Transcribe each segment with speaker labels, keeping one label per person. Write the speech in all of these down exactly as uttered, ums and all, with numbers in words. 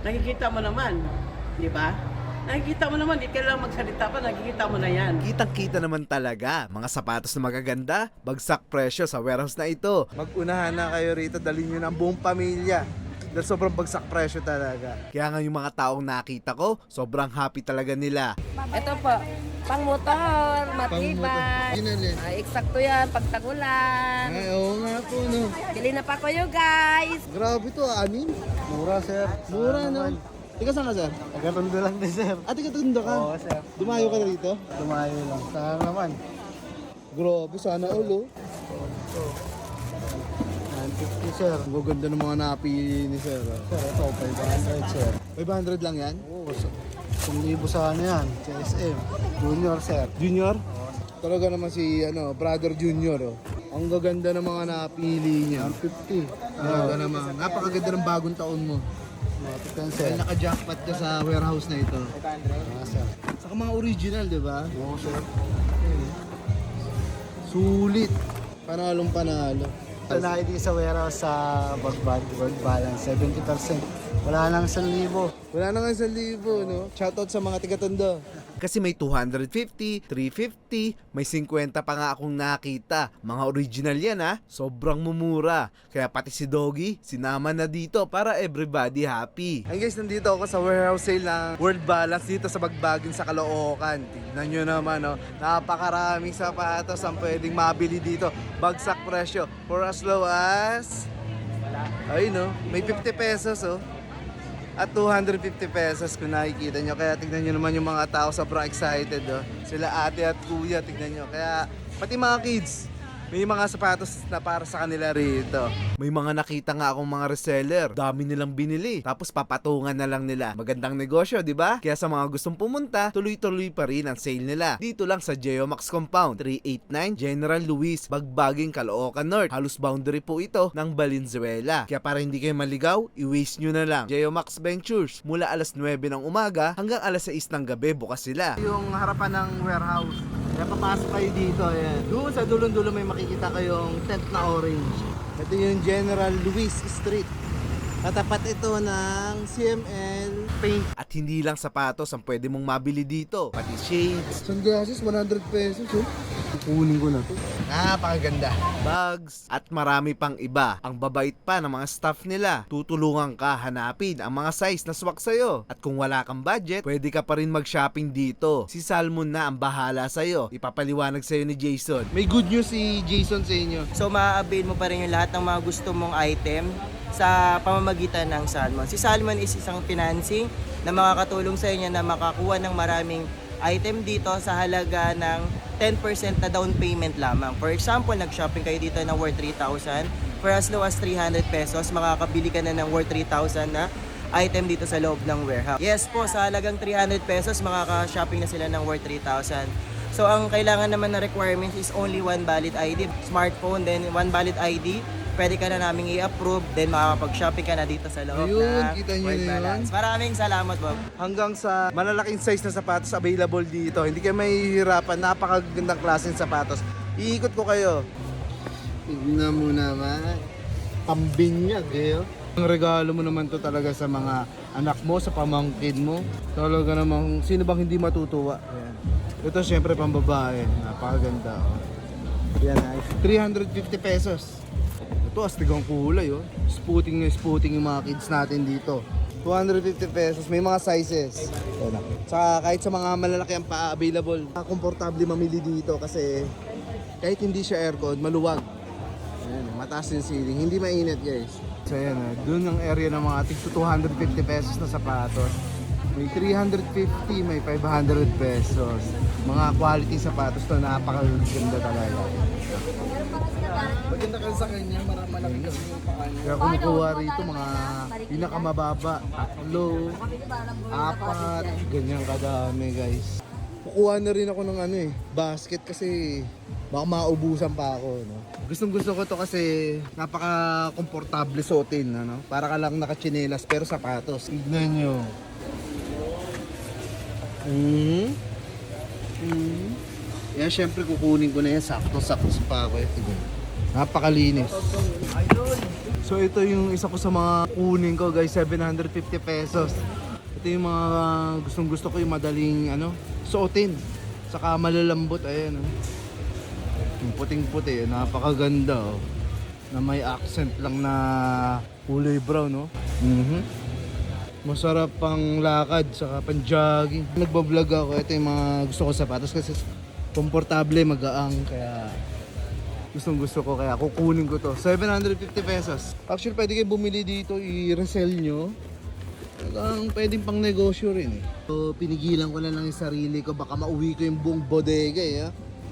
Speaker 1: Nakikita mo naman, di ba? Nakikita mo naman, di kailangan magsalita pa, nakikita mo na yan.
Speaker 2: Kitang-kita naman talaga, mga sapatos na magaganda, bagsak presyo sa warehouse na ito. Mag-unahan na kayo rito, dalhin nyo ng buong pamilya. Dahil sobrang bagsak presyo talaga. Kaya nga yung mga taong nakita ko, sobrang happy talaga nila.
Speaker 3: Ito po, pang motor, matibay. Ay, eksakto yan, pagtagulan.
Speaker 4: Ay, oo nga po, no.
Speaker 3: Bili na pa ko you guys.
Speaker 4: Grabe to, anim. Mura, sir. Mura, no. Ikaw saan ka, sir?
Speaker 5: Nagkatundo lang din, sir.
Speaker 4: Ah, tigatundo ka?
Speaker 5: Oo, sir.
Speaker 4: Dumayo ka na rito?
Speaker 5: Lumayo lang. Sana naman.
Speaker 4: Grabe, sana all, oh.
Speaker 5: nine fifty, sir.
Speaker 4: Ang gaganda ng mga napili ni sir. oh.
Speaker 5: Sir, ito, five hundred, sir.
Speaker 4: five hundred lang yan?
Speaker 5: Oo, so, kung libo sa ano yan, C S M. Junior, sir.
Speaker 4: Junior? Talaga naman si ano, brother Junior, oh. Ang gaganda ng mga napili niya.
Speaker 5: one fifty.
Speaker 4: Talaga naman. Napakaganda ng bagong taon mo.
Speaker 5: Matikan, sir.
Speaker 4: Dahil naka-jackpot ka sa warehouse na ito.
Speaker 5: Ah, sir.
Speaker 4: Saka mga original, di ba?
Speaker 5: Oo, sir.
Speaker 4: Sulit. Panalong panalo.
Speaker 5: Ito na I D sa warehouse sa Bagbag, world balance, seventy percent. Wala nang one libo.
Speaker 4: Wala na nga sa libo, no? Shoutout sa mga tiga-tondo.
Speaker 2: Kasi may two fifty, three fifty, may fifty pa nga akong nakita. Mga original yan ha, sobrang mumura. Kaya pati si Doggy, sinama na dito para everybody happy.
Speaker 4: Ay guys, nandito ako sa warehouse sale ng World Balance dito sa Bagbagin sa Caloocan. Tignan nyo naman, no? Napakaraming sapatos ang pwedeng mabili dito. Bagsak presyo for as low as... Ay no, may fifty pesos oh. At two hundred fifty pesos kung nakikita nyo. Kaya tignan nyo naman yung mga tao sobrang excited oh. Sila ate at kuya, tignan nyo. Kaya pati mga kids, may mga sapatos na para sa kanila rito.
Speaker 2: May mga nakita nga akong mga reseller, dami nilang binili. Tapos papatungan na lang nila. Magandang negosyo, di ba? Kaya sa mga gustong pumunta, tuloy-tuloy pa rin ang sale nila. Dito lang sa Geomax Compound, three eighty-nine General Luis, Bagbaging, Caloocan North. Halos boundary po ito ng Valenzuela. Kaya para hindi kayo maligaw, i-waste nyo na lang. Geomax Ventures, mula alas nuwebe ng umaga hanggang alas sais ng gabi bukas sila.
Speaker 4: Yung harapan ng warehouse. Kaya papasok kayo dito, ayan. Doon sa dulong-dulo may makikita kayong tent na orange. Ito yung General Luis Street. Katapat ito ng C M L Paint.
Speaker 2: At hindi lang sapatos ang pwede mong mabili dito, pati shades,
Speaker 4: Sunglasses, one hundred pesos. Oh. Kukunin ko na to. Napakaganda.
Speaker 2: bags, at marami pang iba. Ang babait pa ng mga staff nila. Tutulungan ka hanapin ang mga size na swak sa'yo. At kung wala kang budget, pwede ka pa rin mag-shopping dito. Si Salmon na ang bahala sa'yo. Ipapaliwanag sa'yo ni Jason.
Speaker 4: May good news si Jason sa inyo.
Speaker 6: So ma-avail mo pa rin yung lahat ng mga gusto mong item sa pamamagitan ng Salmon. Si Salmon is isang financing na makakatulong sa inyo na makakuha ng maraming item dito sa halaga ng ten percent na down payment lamang. For example, nag-shopping kayo dito na worth three thousand. For as low as three hundred pesos, makakabili ka na ng worth three thousand na item dito sa loob ng warehouse. Yes po, sa halagang three hundred pesos, makaka-shopping na sila ng worth three thousand. So ang kailangan naman na requirements is only one valid I D, smartphone, then one valid I D. Pwede ka na naming i-approve, then makakapag-shopping ka na dito sa loob
Speaker 4: Ayun,
Speaker 6: na
Speaker 4: kita nyo
Speaker 6: World
Speaker 4: na yun.
Speaker 6: Balance. Maraming salamat, Bob.
Speaker 4: Hanggang sa malalaking size na sapatos available dito. Hindi kayo mahihirapan. Napakagandang klaseng sapatos. Iikot ko kayo. Tignan mo naman. Pambinyag eh. oh. Ang regalo mo naman to talaga sa mga anak mo, sa pamangkin mo. Talaga namang sino bang hindi matutuwa. Ayan. Ito syempre pambabae. Napakaganda. Oh. Yan, nice. three hundred fifty pesos. Ito astig ang kulay. Oh. Spooting na spooting yung mga kids natin dito. two hundred fifty pesos. May mga sizes. Ayan na. Saka kahit sa mga malalaki ang pa available. Komportable mamili dito kasi kahit hindi siya aircon, maluwag. Ayan, mataas yung ceiling. Hindi mainit guys. So ayan na. Doon ang area ng mga tig two hundred fifty pesos na sapatos. May three hundred fifty, may five hundred pesos. Mga quality sapatos to, napakaganda talaga.
Speaker 5: Maganda ka sa kanya, marami malaki kasi yung pakanya.
Speaker 4: Kaya kumukuha rito mga pinakamababa, tatlo, apat, ganyan kadami guys. Kukuha na rin ako ng ano eh, basket kasi baka maubusan pa ako. No? Gustong gusto ko to kasi napaka-komportable suotin. Ano? Para ka lang nakachinelas pero sapatos. Tignan nyo. Mm. Mm. Yan syempre kukunin ko na yan, sakto-sakto pa ako. Eh. Tignan. Napakalinis. So ito yung isa ko sa mga kunin ko guys, seven hundred fifty pesos. Ito yung mga gustong gusto ko, yung madaling ano, suotin. Saka malalambot, ayan oh. Yung puting puti, napakaganda oh. Na may accent lang na kulay brown no. Mhm. Masarap pang lakad, saka pang jogging. Nagbablog ako, ito yung mga gusto ko sapatos kasi komportable, magaang, kaya gustong gusto ko, kaya kukunin ko to. seven hundred fifty pesos. Actually, pwede kayo bumili dito, i-resell nyo. Talagang pwedeng pang negosyo rin eh. So, pinigilan ko na lang yung sarili ko, baka mauwi ko yung buong bodega eh. Ha?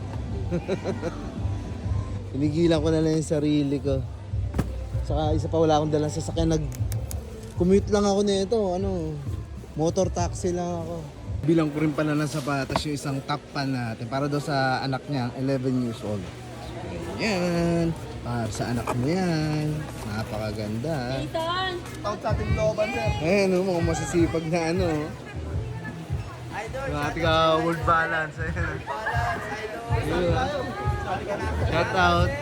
Speaker 4: Pinigilan ko na lang yung sarili ko. Saka isa pa, wala akong dalang sasakyan. Nag-commute lang ako nito, ano, motor taxi lang ako. Bilang ko rin pala ng sapatos yung isang top pan natin para daw sa anak niya, eleven years old. Yan. Para sa anak mo yan. Napakaganda. Ethan! Tawag sa ating looban, sir. Ayan, no, mga masisipag na ano. Yung ating uh, world balance. Ayan. Shout out.